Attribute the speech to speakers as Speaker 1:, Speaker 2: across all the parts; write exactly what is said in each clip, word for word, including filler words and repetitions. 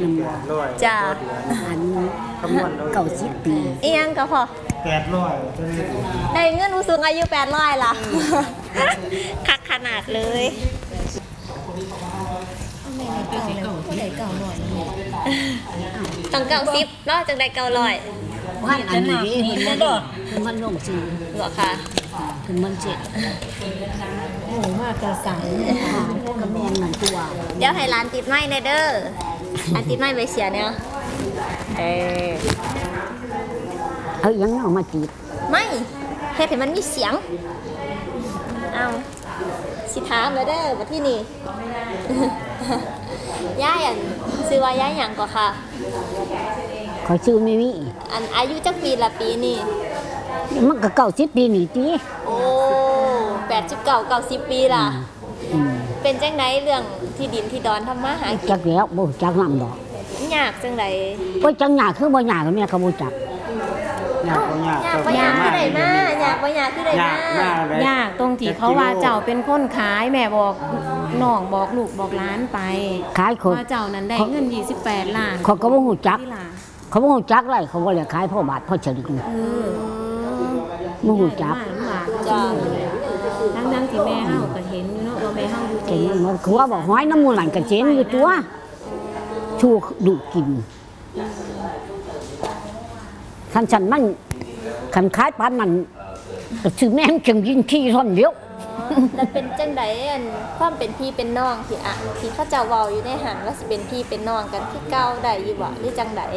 Speaker 1: มัน
Speaker 2: จ้า
Speaker 1: อันเก้าสิบปี
Speaker 2: อียังก็พอ
Speaker 3: แปดร้อย
Speaker 2: ได้เงินผู้สูงอายุแปดร้อยล่ะคักขนาดเลยต้องเก้าสิบเนาะจังได้เก้าร้อย
Speaker 1: ว่าอันนี้มันคือมันลงสี
Speaker 2: หรอคะ
Speaker 1: คือมันเจ็ดโอ้มากกระสังกระแมงหนังตัว
Speaker 2: เดี๋ยวให้ร้านติดไม้ในเด้อร้านติดไม้ใบเสียเนี่ยเออ
Speaker 1: เอายังเอามาติด
Speaker 2: ไม่เฮ็ดให้มันมีเสียงเอาสิถามเลยเด้อมาที่นี่ย่าอันซื้อว่าย่าอย่างก่อนค่ะ
Speaker 1: ขอชื่อไม่มี
Speaker 2: อันอายุจักปีละปีนี่
Speaker 1: มันก็เก้าสิบปีนี่จี
Speaker 2: โอ้แปดสิบเก้าเก้าสิบปีล่ะเป็นจังไดเรื่องที่ดินที่ดอนทำมาหากิน
Speaker 1: จักแล้วบ่จักนำดอก
Speaker 2: ยากจังได
Speaker 1: โอ้ยจังยากคือบ่ยากก็แม่เขาบ่จัก
Speaker 3: ยากบ่ยาก
Speaker 2: ยากบ่ยากคือได้มายากบ่ยากคือได้ม
Speaker 4: ายากตรงที่เขาว่าเจ้าเป็นคนขายแม่บอกน้องบอกลูกบอกร้านไป
Speaker 1: ขายคน
Speaker 4: ว่าเจ้านั้นได้เงินยี่สิบแปดล้าน
Speaker 1: เขาก็บ่ฮู้จักเขาบ่ฮู้จักไรเขาบ่เลยขายพ่อบาทพ่อฉลิง
Speaker 4: เออ
Speaker 1: บ่ฮู้จัก
Speaker 2: จ้า
Speaker 4: ทั้งๆที่แม่เฮาก็เห็นอยู่เนาะว่าแม่เฮาอยู่
Speaker 1: เห็นมันคือว่าบอกห้อยน้ำมูลหลังกระเจนอยู่ตัวชูดุกินคันฉันมันคันขายปานมันก็ชื่อแม่จังยิงขี้ท่อนเดียว
Speaker 2: แล้วเป็นจังไดอันความเป็นพี่เป็นน้องที่อ่ะที่เขาเจ้าเว้าอยู่ในหันว่าสิเป็นพี่เป็นน้องกันที่เก่าได้อยู่บ่หรือจังได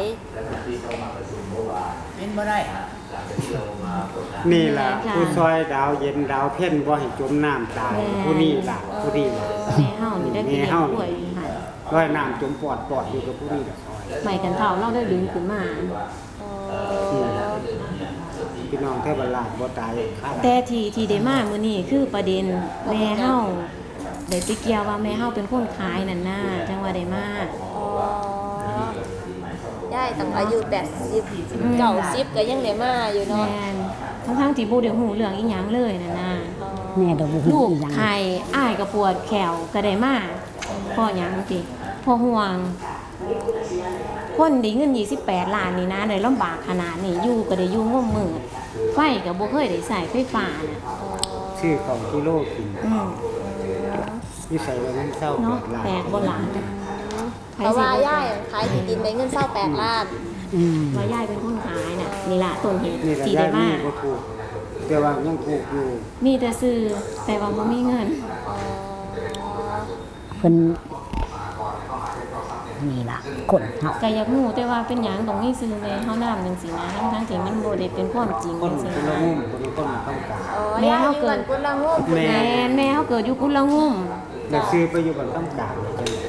Speaker 3: เป็นบ่ได้นี่ล่ะผู้ซอยดาวเย็นดาวเพ่นบ่ให้จมน้ำตายผู้นี้ล่ะผู้นี้ล่ะ
Speaker 4: แม่เฮานี่ได้กินป่วยอยู่หั่น
Speaker 3: ร้อยน้ำจมปอดปอดอยู่กับผู้นี้ล่ะ
Speaker 4: ใหม่กันเฒ่าเราได้ดึงขึ้นมา
Speaker 3: พี่น้องแค่บรรลาดบ่ตาย
Speaker 4: แต่ที่ที่ได้มามื้อนี้คือประเด็นแม่เฮาได้ไปเกี่ยวว่าแม่เฮาเป็นคนขายนั่นน่ะจังว่าได้มา
Speaker 2: อ๋อยายตั้งอายุแปดสิบ เก้าสิบก็ยังได้มาอยู่เนาะ
Speaker 4: แม่นทั้งๆที่บ่ได้ฮู้เรื่องอีหยังเลยนั่นน่ะ
Speaker 1: แม่ดอกบ่ฮู้
Speaker 4: อีหยังลูกไข้อ้ายก็ปวดแขวก็ได้มาเพราะหยังติเพราะห่วงคนได้เงินยี่สิบแปดล้านนี่นะได้ลำบากขนาดนี้อยู่ก็ได้อยู่งมมืดไฟก็บ่เคยได้ใช้ไฟฟ้าน่ะ
Speaker 3: ชื่อของกิโลกิน
Speaker 4: อืม
Speaker 3: นี่ใส่ไว้มันเศร้า
Speaker 4: เนาะแปลกบ่ล่ะ
Speaker 2: เพราะว่าย่ายขายที่ดินได้เงินเศร้าแปดล้าน
Speaker 4: อืมว่าย่ายเป็นคนขายน่ะนี่ล่ะต้นเหตุที่ได้มา
Speaker 3: แต่ว่ายังถูกอยู่
Speaker 4: มีแต่ซื้อแต่ว่าบ่มีเงิน
Speaker 1: เพิ่นนี่ล่ะคนเฮา
Speaker 4: ก็อยากรู้แต่ว่าเป็นหยังต้องมีซื้อแม่เฮานำจังซี่นะทั้งๆที่มันบ่ได้เป็นความจริงจังซี่นะ
Speaker 2: แม่เฮาเกิดกุลงุ่ม
Speaker 4: แม่แม่เฮาเกิดอยู่กุลงุ่ม
Speaker 3: แล้วซื้อไปอยู่บ้านต้ำกลาง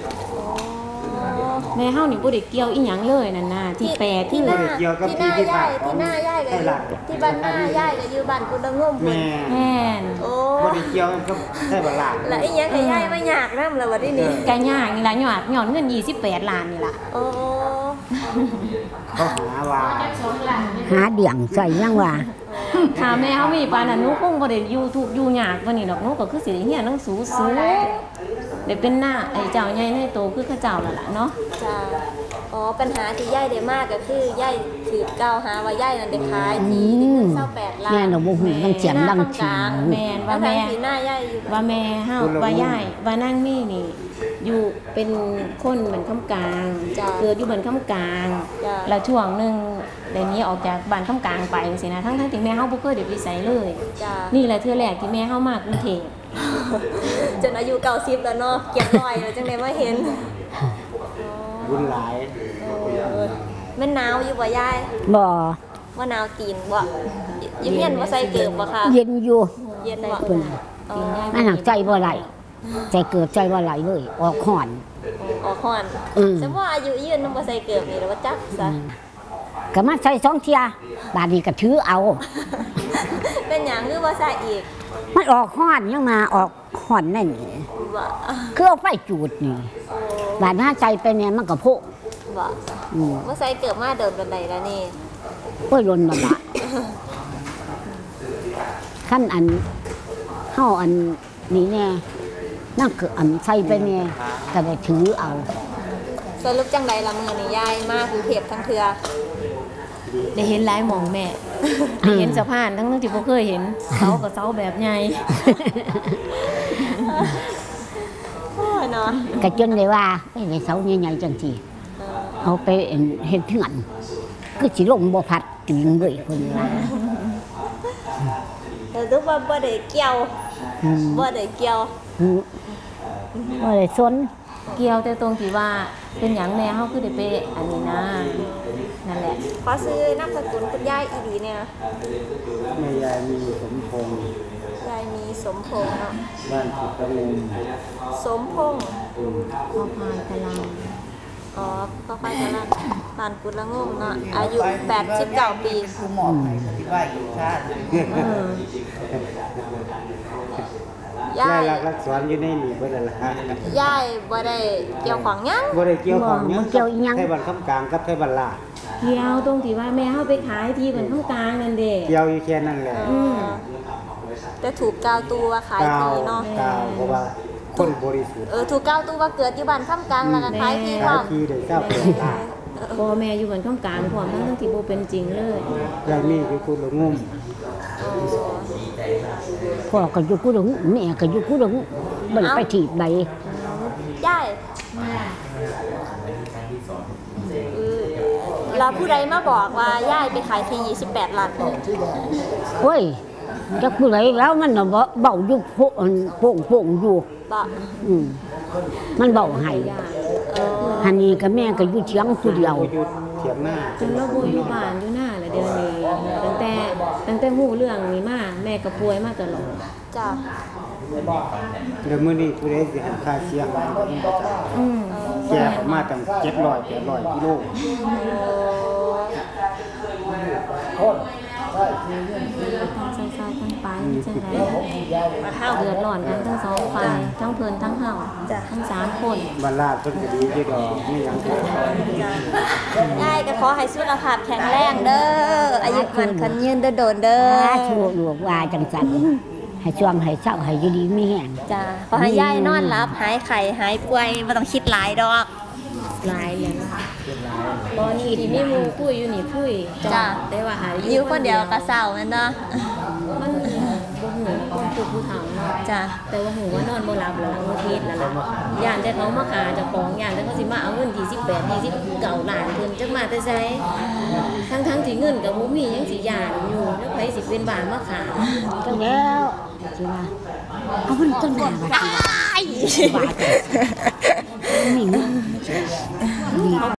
Speaker 4: แม่เฮานี่บ่ได้เกี่ยวอีหยังเลยนั่นน่ะที่แปล
Speaker 2: ที่หน้าที่หน้าย่ายที่หน้าย่ายก็ที่บ้านหน้าย่ายก็อยู่บ้านกุลงุ่ม
Speaker 3: แม่
Speaker 4: แม่น
Speaker 2: โอ้
Speaker 3: บ่ได้เกี่ยวกับใช่บ่ล่ะ
Speaker 2: แล้วอีหยังให้ย่ายมายากนำล่ะบัดนี้
Speaker 4: ก็ยากนี่ล่ะยอดย้อนเงินยี่สิบแปดล้านนี่ล่ะ
Speaker 2: โอ้
Speaker 3: เขาหาว่า
Speaker 1: หาเดี่ยงใส่ยังว่า
Speaker 4: ถ้าแม่เฮามีปานนั้นหนูคงบ่ได้อยู่ทุกข์อยู่ยากกว่านี้ดอกหนูก็คือสิได้เรียนหนังสือสูงได้เป็นหน้าไอ้เจ้าใหญ่ในโตคือเขาเจ้านั่นล่ะเนาะ
Speaker 2: จ้าอ๋อปัญหาที่ย่ายได้มากก็คือย่ายถือกล่าวหาว่าย่ายนั่นได้ขายที่ดินเศร้าแปดล้าน
Speaker 1: แม่เราบ่ฮู้มันเสียงดังจริง
Speaker 4: แม่ว่าแม่
Speaker 2: หน้าย่ายอยู่
Speaker 4: ว่าแม่เฮาว่าย่ายว่านั่งนี่นี่อยู่เป็นคนเหมือนคำกลางเกิดอยู่บนคำกลางแล้วช่วงนึงเดี๋ยวนี้ออกจากบ้านคำกลางไปจังซี่นะทั้งๆที่แม่เฮาบ่เคยได้ไปไสเลยนี่แหละเทื่อแรกที่แม่เฮามากรุงเทพ
Speaker 2: จนอายุเก้าสิบแล้วเนาะเก็บรอยแล้วจังได๋มาเห็น
Speaker 3: บุญหลาย
Speaker 2: แม่นหนาวอยู่บ่ยาย
Speaker 1: บ่
Speaker 2: ว่าหนาวตีนบ่อยู่เฮียนบ่ใส่เกิบบ่ค่ะ
Speaker 1: เย็นอยู่
Speaker 2: เย็นบ่
Speaker 1: อ๋อมันหักใจบ่ไหลใจเกิดใจบ่ไหลเลยออกห่อน
Speaker 2: ออกห่อนแต่ว่าอายุยืนบ่ใส่เกิบนี่แล้วว่าจักซะ
Speaker 1: ก็มาใส่สองเที่ยบาดนี้ก็ถือเอา
Speaker 2: เป็นหยังคือบ่ใส่อีก
Speaker 1: มันออกห่อนยังมาออกห่อนนั่นนี่คือเอาไฟจูดนี่บาดหน้าใจไปเนี่ยมันก็โพก
Speaker 2: บ่บ่ใส่เกิบมาเดินบันไดแล้วนี่
Speaker 1: โอ้ยล้นนั่นล่ะขั้นอันเฮาอันนี้แน่นั่นคืออันใส่ไปเนี่ยก็ได้ถือเอา
Speaker 2: สรุปจังใดละมื้อนี้ยายมากรุงเทพทั้งเทื่อ
Speaker 4: ได้เห็นหลายหม่องแม่ ได้เห็นสะพานทั้งที่บ่เคยเห็นเสากับเสาแบบใหญ่
Speaker 2: โอ้ยเนาะ
Speaker 1: ก็จนได้ว่าไอ้เสาใหญ่ๆจังซี่เอาไปเฮ็ดเถื่อนคือสิลงบ่พัดจริงเลยคนว่า
Speaker 2: แต่รู้ว่าบ่ได้เกี่ยว
Speaker 1: อืม
Speaker 2: บ่ได้เกี่ยว
Speaker 1: อืมบ่ได้สน
Speaker 4: เกี่ยวแต่ตรงที่ว่าเป็นหยังแน่เฮาคือได้ไปอันนี้นะนั่นแหละ
Speaker 2: ขอซื้อนามสกุลคุณยายอีดีเนี่ย
Speaker 3: แม่ยายมีสมพงษ์
Speaker 2: ยายมีสมพงษ์เนาะ
Speaker 3: บ้านสุขลม
Speaker 2: สมพงษ์
Speaker 4: พอพานกะลัง
Speaker 2: อ๋อพ่อค่อยกำลังปานกุดละงมเนาะอายุแปดสิบเก้าปี
Speaker 5: คือหมอบให้ที่ว่าอยู่ชาติ
Speaker 4: เออ
Speaker 2: ยาย
Speaker 3: ายรักรักสอนอยู่ในนี่เบิดนั่นล่ะ
Speaker 2: ยายบ่ได้เกี่ยวของหยัง
Speaker 3: บ่ได้เกี่ยวของหยัง
Speaker 1: บ่เกี่ยวอีหยัง
Speaker 3: ไทบ้านคำกลางกับไทบ้านลาด
Speaker 4: เกี่ยวตรงที่ว่าแม่เฮาไปขายที่เพิ่นข้างกลางนั่นเด้
Speaker 3: เกี่ยวอยู่แค่นั้นแหละ
Speaker 4: อืม
Speaker 2: แต่ถูกกาวตัวว่าขาย
Speaker 3: กาว
Speaker 2: ทีเนาะ
Speaker 3: กาวเพราะว่าคนบริสุทธิ์
Speaker 2: เออถูกกาวตัวว่าเกิดอยู่บ้านค่ำกลางแล้วก็ขายทีพ
Speaker 3: ขาย
Speaker 2: ร้อม
Speaker 3: ที่ได้เจ้าเป็นลาด
Speaker 4: พ่อแม่อยู่บนข้างกลางพร้อมทั้งที่บ่เป็นจริงเลย
Speaker 3: ยายมีอยู่คุณละงุ่ม
Speaker 1: พ่อก็อยู่กูดงแม่ก็อยู่กูดงบ่ได้ไปถีบใด
Speaker 2: ยายเออแล้วผู้ใดมาบอกว่ายายไปขายที่ยี่สิบแปดล้าน
Speaker 1: โอ้ยจักผู้ใดแล้วมันน่ะบ่เบาอยู่โพนโป่งโป่งอยู่
Speaker 2: บ่
Speaker 1: อืมมันเบาให้
Speaker 2: เออ
Speaker 1: หันนี้ก็แม่ก็อยู่เชียงผู้เดียว
Speaker 3: อยู่เถียงหน้า
Speaker 4: จนเราบ่อยู่บ้านอยู่หน้าแหละเดี๋ยวนี้ตั้งแต่ตั้งแต่ฮู้เรื่องนี้มาแม่ก็ป่วยมาตลอด
Speaker 2: จ้ะ
Speaker 3: เดี๋ยวมื้อนี้ผู้ใดสิให้ค่าเสียหายก็มีประจำ
Speaker 4: อืม
Speaker 3: แก่ออกมาตั้งเจ็ดร้อยแปดร้อยกิโล
Speaker 4: ทั้งเศร้าๆทั้งปานจังได๋
Speaker 2: มาเฮา
Speaker 4: เดือดร้อนกันทั้งสองฝ่ายทั้งเพิ่นทั้งเฮาทั้งสามคน
Speaker 3: บ้านลาดเพิ่นก็ดีอยู่ดอกมีหยังก็
Speaker 2: ยายก็ขอให้สุขภาพแข็งแรงเด้ออายุมันคันยืนเด้อโดนเด้อ
Speaker 1: สาธุลูกว่าจังซั่นให้ช่วงให้เศร้าให้อยู่ดีมีแฮง
Speaker 2: จ้ะขอให้ยายนอนหลับหายไข้หายป่วยบ่ต้องคิดหลายดอก
Speaker 4: หลายเลยนะคะตอนนี้ที่มีหมู่คุยอยู่นี่คุย
Speaker 2: จ้ะ
Speaker 4: แต่ว่าหา
Speaker 2: อยู่คนเดียวก็เศร้าแม่นเนาะ
Speaker 4: มันบ่หูคนผู้ผู้เฒ่าเนาะ
Speaker 2: จ้ะ
Speaker 4: แต่ว่าหูว่านอนบ่หลับแล้วบางทีแล้วล่ะย่านแต่เขามาขาเจ้าของย่านแต่เขาสิมาเอาเงินที่สิบแปดที่สิบเก้าล้านเพิ่นจักมาแต่ไสทั้งๆที่เงินก็บ่มียังสิย่านอยู่แล้วไผสิเป็นบ้านมาขา
Speaker 1: จังแล้วสิว่าเอามันต้นหน้าว่าสิว่าบาดมีเงิน